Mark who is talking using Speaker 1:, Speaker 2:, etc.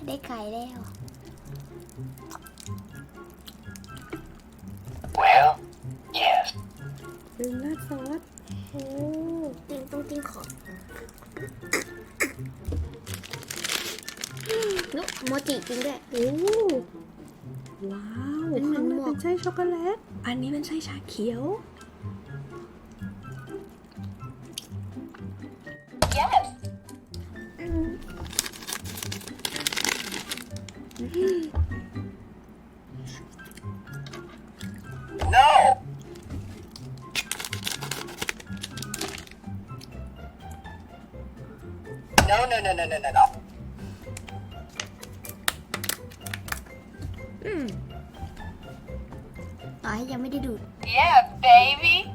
Speaker 1: ได้ไข่แล้ว
Speaker 2: Well, yes.
Speaker 3: ลืมราดซอสโอ้
Speaker 1: ติ้งขอบนุ๊กโมจิจริงด้วย
Speaker 3: โอ้ว้าว
Speaker 1: มันเหมือน
Speaker 3: ข้างใน
Speaker 1: หมวก
Speaker 3: เป็นไส้ช็อกโกแลตอันนี้เป็นไส้ชาเขียว
Speaker 2: Yes. No. No.
Speaker 1: ต่อให้ยังไม่ได้ดูด
Speaker 2: Yeah, baby.